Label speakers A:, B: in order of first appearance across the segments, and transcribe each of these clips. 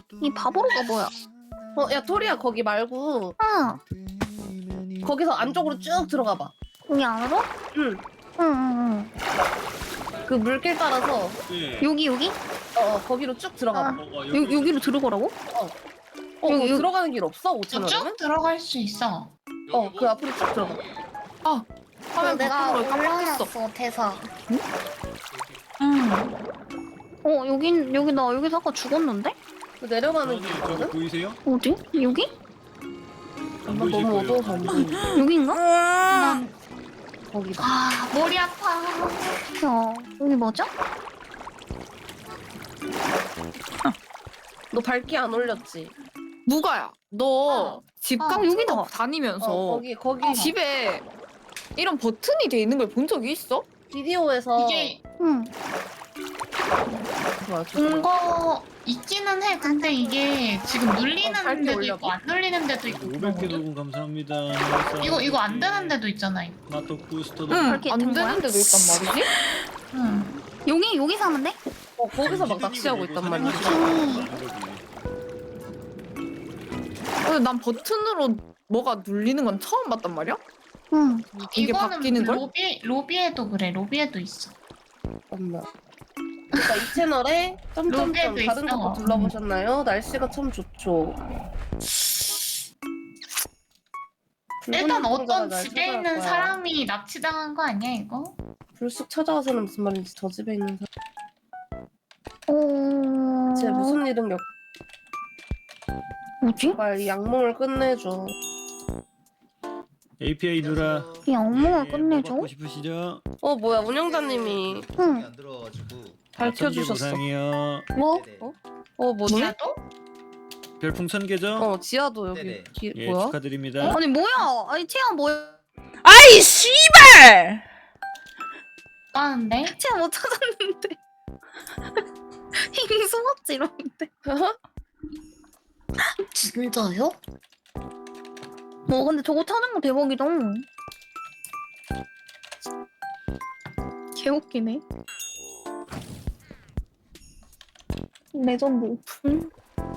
A: 이 바보로가 뭐야?
B: 야 토리야 거기 말고 거기서 안쪽으로 쭉 들어가 봐.
A: 거기 안으로?
B: 응.
A: 응.
B: 그 물길 따라서
C: 예.
A: 여기?
B: 거기로 쭉 들어가 봐.
A: 여기로 들어가라고?
B: 여기 들어가는 길 없어? 5천
D: 쭉
B: 원이면?
D: 들어갈 수 있어.
B: 그 앞으로 쭉 들어가.
D: 화면
A: 내가
D: 바꾸는 걸 깜빡했어.
A: 올려놨어 대사.
D: 응.
A: 나 여기서 아까 죽었는데?
B: 그 내려가는 길
C: 저기
B: 있거든?
C: 보이세요?
A: 어디? 여기?
C: 안 보이실
B: 너무
C: 거예요.
B: 어두워서 안 보여.
A: 여긴가?
D: 난
B: 거기다.
D: 머리 아파.
A: 야 여기 맞아?
B: 너 밝기 안 올렸지?
E: 누가야? 너 집 같은
A: 여기다.
E: 거 다니면서
B: 거기
E: 집에 이런 버튼이 돼 있는 걸 본 적이 있어?
B: 비디오에서
D: 이게
A: 응.
B: 뭐야,
D: 본 거 있기는 해. 근데 이게 지금
B: 밝게
D: 눌리는 데도
B: 올려봐.
D: 있고 안 눌리는 데도 있고.
C: 500개 도금 감사합니다.
D: 이거 안 되는 데도 있잖아. 이거.
C: 마톡 부스터도.
E: 응,
A: 그렇게
E: 안
A: 된 거야?
E: 되는 데도 있단 말이지?
D: 응.
A: 여기 사면 돼?
B: 거기서 막 낚시하고 있단 말이야.
E: 근데 난 버튼으로 뭐가 눌리는 건 처음 봤단 말이야?
A: 응.
E: 이게
D: 이거는
E: 바뀌는 걸?
D: 로비에도 그래. 로비에도 있어.
B: 엄마. 그러니까 이 채널에 점점점
D: 로비에도
B: 다른
D: 있어.
B: 것도 둘러보셨나요? 날씨가 참 좋죠.
D: 일단
B: 붉은
D: 어떤
B: 눈동자가 날
D: 집에
B: 찾아갈
D: 있는
B: 거야.
D: 사람이 납치당한 거 아니야 이거?
B: 불쑥 찾아와서는 무슨 말인지 저 집에 있는
A: 어...
B: 쟤 무슨 일은
A: 뭐지?
B: 역발 이 악몽을 끝내줘.
C: API 누라.
A: 이 악몽을
C: 예,
A: 끝내줘?
C: 뭐 받고 싶으시죠?
B: 뭐야 운영자님이
A: 응.
F: 안 들어가지고.
B: 밝혀주셨어.
C: 보상이요.
A: 뭐?
F: 네네.
B: 뭐지?
D: 지하도?
C: 별풍선 개죠?
B: 지하도 여기
F: 네네.
C: 예,
B: 뭐야?
C: 축하드립니다.
A: 아니 뭐야? 아니 채야 뭐야?
G: 아이 씨발!
D: 까는데?
A: 채야 못 찾았는데. 이미 숨었지 이러는데. 진짜요? 근데 저거 찾은 거 대박이다. 개웃기네. 레전드 오픈.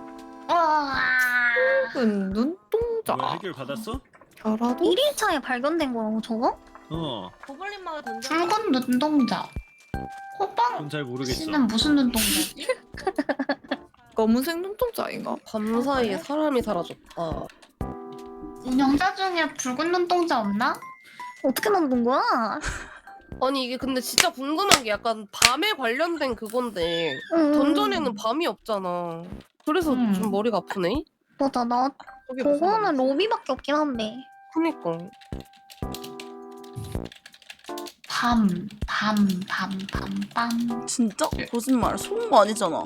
E: 붉은 눈동자.
C: 뭐야, 해결 받았어?
E: 결하도?
A: 1일차에 발견된 거라고 저거?
B: 고블린 마을 던져.
D: 붉은 눈동자. 호빵
C: 그건 잘 모르겠어.
D: 씨는 무슨 눈동자지?
E: 검은색 눈동자인가?
B: 밤 사이에 사람이 사라졌다.
D: 운영자 중에 붉은 눈동자 없나?
A: 어떻게 만든 거야?
B: 아니 이게 근데 진짜 궁금한 게 약간 밤에 관련된 그건데
A: 응.
B: 던전에는 밤이 없잖아. 그래서 좀 머리가 아프네.
A: 맞아 나
B: 저게 무슨
A: 저거는
B: 말이지?
A: 로비밖에 없긴 한데.
B: 그니까.
D: 밤.
G: 진짜? 거짓말. 속은 거 아니잖아.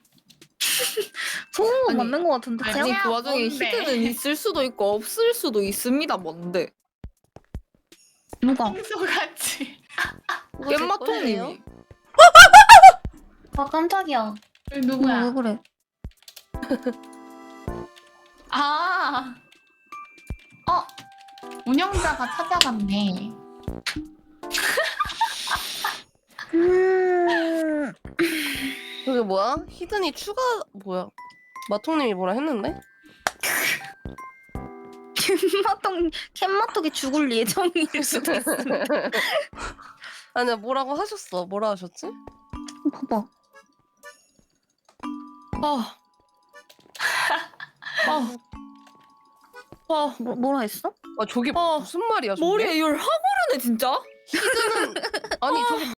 A: 소은 건
E: 아니,
A: 맞는 거 같은데
D: 아니,
A: 채야?
E: 아니 그 와중에
D: 뭔데?
E: 히드는 있을 수도 있고 없을 수도 있습니다. 뭔데?
A: 누가?
D: 평소같이.
E: 깻마통님이.
A: 아 깜짝이야.
D: 누구야?
A: 왜 그래?
D: 운영자가 찾아갔네.
B: 그게 뭐야? 히든이 추가 뭐야? 마통님이 뭐라 했는데?
A: 캔마톡이 죽을 예정일 수도 있어.
B: 아니야 뭐라고 하셨어? 뭐라 하셨지?
A: 봐봐. 뭐라 했어?
B: 저게 무슨 말이야 저게?
E: 머리에 열 하고르네 진짜?
B: 아니 저게